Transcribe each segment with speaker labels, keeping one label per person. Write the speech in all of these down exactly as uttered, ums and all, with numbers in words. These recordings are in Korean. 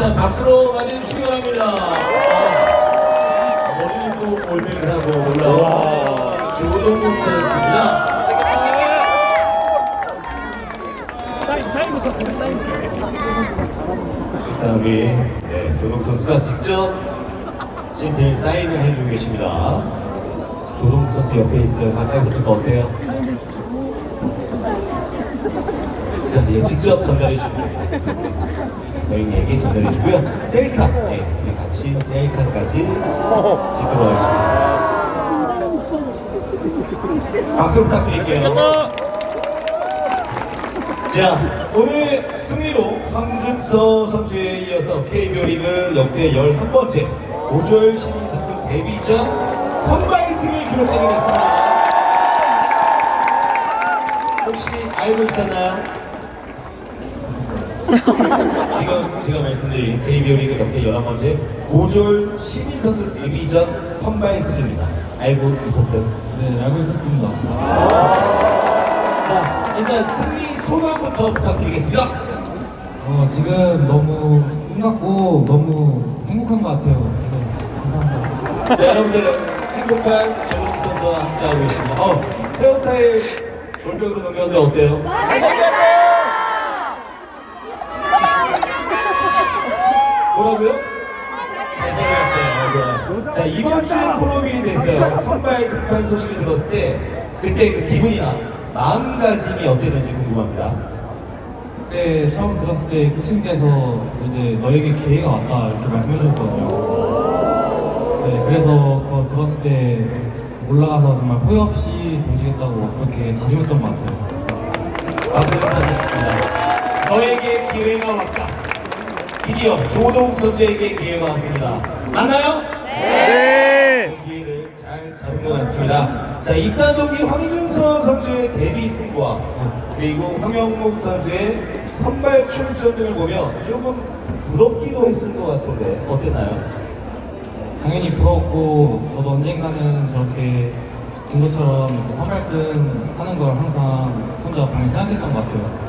Speaker 1: 자, 박수로 맞이해주시기 바랍니다. 어, 머리를 또 올백을 하고 올라온 조동욱 선수입니다.
Speaker 2: 사인, 사인부터, 사인부터.
Speaker 1: 일단 우리 네, 조동욱 선수가 직접 심필 사인을 해주고 계십니다. 조동욱 선수 옆에 있어요. 가까이서 보니까 어때요? 자, 예, 직접 전달해 주시고요. 서인이에게 전달해 주고요. 셀카, 예, 우리 같이 셀카까지 찍도록 하겠습니다. 박수 부탁드릴게요. 자, 오늘 승리로 황준서 선수에 이어서 케이비오 리그 역대 열한 번째 고졸 신인 선수 데뷔전 선발승을 기록하게 됐습니다. 혹시 알고 있었나요? 지금 제가 말씀드린 케이비오 리그 역대 열한 번째 고졸 신인 선수 데뷔전 선발승입니다. 알고 있었어요?
Speaker 3: 네, 알고 있었습니다.
Speaker 1: 자, 일단 승리 소감부터 부탁드리겠습니다.
Speaker 3: 어, 지금 너무 끝났고 너무 행복한 것 같아요. 네, 감사합니다.
Speaker 1: 자, 여러분들 행복한 조동욱 선수와 함께하고 있습니다. 어, 헤어스타일 올백으로 넘겼는데 어때요? 뭐라고요? 잘생겼어요. 자, 이번 주에 콜업이 됐어요. 선발 등판 소식을 들었을 때 그때 그 기분이나 마음가짐이 어땠는지 궁금합니다.
Speaker 3: 그때 처음 들었을 때 코치님께서 이제 너에게 기회가 왔다 이렇게 말씀해 주셨거든요. 네, 그래서 그거 들었을 때 올라가서 정말 후회 없이 던지겠다고 그렇게 다짐했던 것 같아요.
Speaker 1: 박수 부탁드리겠습니다. 너에게 기회가 왔다. 드디어 조동욱 선수에게 기회가 왔습니다. 맞나요?
Speaker 2: 네!
Speaker 1: 그 기회를 잘 잡은 것 같습니다. 자, 입단 동기 황준서 선수의 데뷔 승부와 그리고 황영목 선수의 선발 출전 등을 보면 조금 부럽기도 했을 것 같은데 어땠나요?
Speaker 3: 당연히 부러웠고 저도 언젠가는 저렇게 진 것처럼 이렇게 선발승 하는 걸 항상 혼자 방에 생각했던 것 같아요.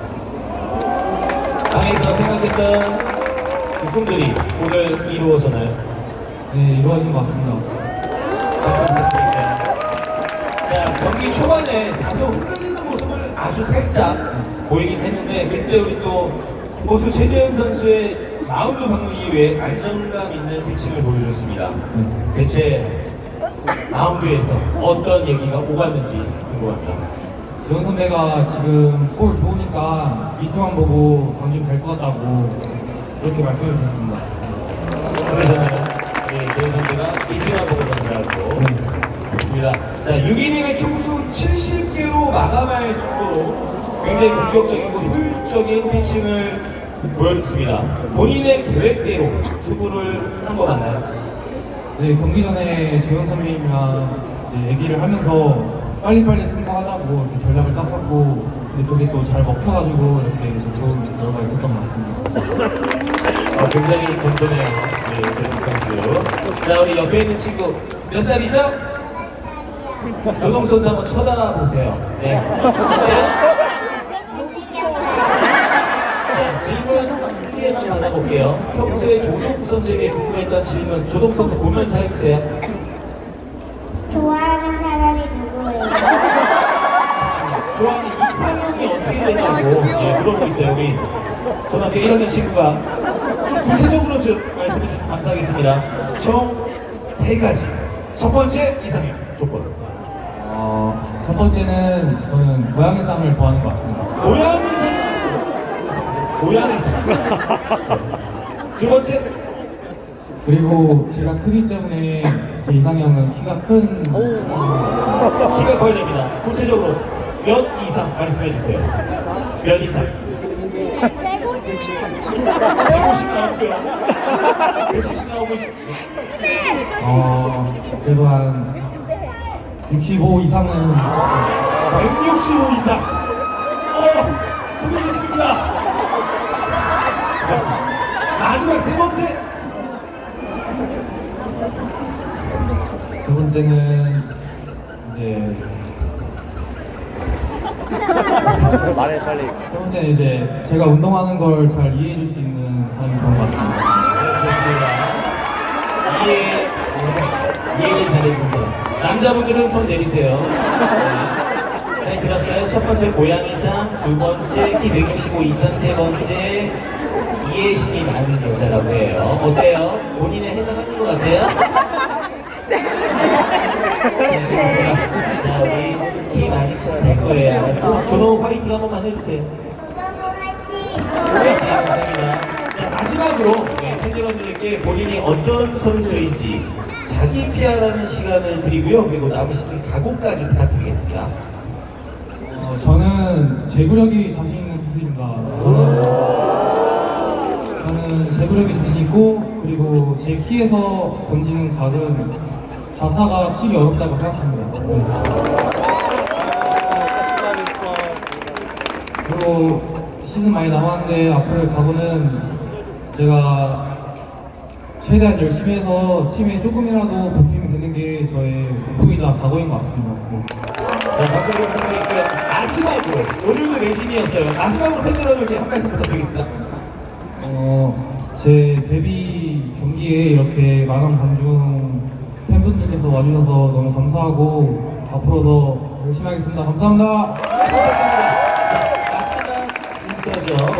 Speaker 1: 방에서 생각했던 그 꿈들이 오늘 이루어졌나요?
Speaker 3: 네, 이루어진 것 같습니다.
Speaker 1: 박수 부탁드립니다. 자, 경기 초반에 다소 흔들리는 모습을 아주 살짝 보이긴 했는데 그때 우리 또 고수 최재현 선수의 마운드 방문 이후에 안정감 있는 피칭을 보여줬습니다. 대체 마운드에서 어떤 얘기가 오갔는지 궁금합니다.
Speaker 3: 재훈 선배가 지금 볼 좋으니까 미트만 보고 던지면 될 것 같다고 그렇게 말씀해 주셨습니다.
Speaker 1: 그러잖아요. 네, 재현 선수가 이승환 보고 던지라고. 좋습니다. 자, 육 이닝을 투수 칠십 개로 마감할 정도로 굉장히 공격적이고 효율적인 피칭을 보여줬습니다. 본인의 계획대로 투구를 한 거 맞나요?
Speaker 3: 네, 경기 전에 재훈 선배님이랑 이제 얘기를 하면서 빨리빨리 승부하자고 이렇게 전략을 짰었고 근데 그게 또 잘 먹혀가지고 이렇게 또 좋은 결과가 있었던 것 같습니다.
Speaker 1: 어, 굉장히 겸손해요. 네, 조동욱 선수. 자, 우리 옆에 있는 친구 몇 살이죠? 조동욱 선수 한번 쳐다보세요. 네. 네. 자, 질문 한 개만 받아볼게요. 평소에 조동욱 선수에게 궁금했던 질문, 조동욱 선수 보면서 해주세요.
Speaker 4: 좋아하는 사람이 누구예요?
Speaker 1: 좋아하는 이상형이 어떻게 되냐고 예, 물어보고 있어요. 우리 초등학교 일 학년 친구가 좀 구체적으로 좀 말씀해 주시면 감사하겠습니다. 총 세 가지. 첫 번째 이상형 조건.
Speaker 3: 어, 첫 번째는 저는 고양이 쌈을 좋아하는 것 같습니다.
Speaker 1: 고양이 상 나왔습니다. 고양이 상. 두 번째.
Speaker 3: 그리고 제가 크기 때문에 제 이상형은 키가 큰 사람인 것 같습니다.
Speaker 1: 키가 커야 됩니다. 구체적으로 몇 이상 말씀해 주세요. 몇 이상? 백오십 나오고요. 백칠십 나오고.
Speaker 3: 어, 그래도 한 육십오 이상은
Speaker 1: 백육십오 이상. 어, 수고하셨습니다. 마지막 세 번째.
Speaker 3: 두 번째는 이제
Speaker 2: 말해 빨리.
Speaker 3: 세 번째는 이제 제가 운동하는 걸 잘 이해해 줄 수 있는 사람이 좋은 것 같습니다.
Speaker 1: 좋습니다. 이해, 네, 이해를 잘해준 사람. 남자분들은 손 내리세요. 네. 잘 들었어요? 첫 번째 고양이상, 두 번째 키 백육십오 이상, 세 번째 이해심이 많은 여자라고 해요. 어때요? 본인에 해당하는 것 같아요? 네, 알겠습니다. 자, 우리 키 많이 크면 될 거예요. 알았죠? 준호 화이팅 한 번만 해주세요.
Speaker 4: 너무 화이팅!
Speaker 1: 네, 감사합니다. 자, 마지막으로 네, 팬 여러분들께 본인이 어떤 선수인지 자기 피아라는 시간을 드리고요. 그리고 남은 시즌 각오까지 부탁드리겠습니다.
Speaker 3: 어, 저는 제구력이 자신 있는 투수입니다. 저는 저는 제구력이 자신 있고 그리고 제 키에서 던지는 각은 좌타가 치기 어렵다고 생각합니다. 네. 그리고 시즌 많이 남았는데 앞으로의 각오는 제가 최대한 열심히 해서 팀에 조금이라도 보탬이 되는 게 저의 목표이자 각오인 것 같습니다. 네.
Speaker 1: 자, 박수 한번 부탁드리고요. 마지막으로, 오늘도 레진이었어요. 마지막으로 팬 여러분께 한 말씀 부탁드리겠습니다.
Speaker 3: 어, 제 데뷔 경기에 이렇게 많은 관중 팬분들께서 와주셔서 너무 감사하고 앞으로 더 열심히 하겠습니다. 감사합니다.
Speaker 1: 자, 마지막 순서죠.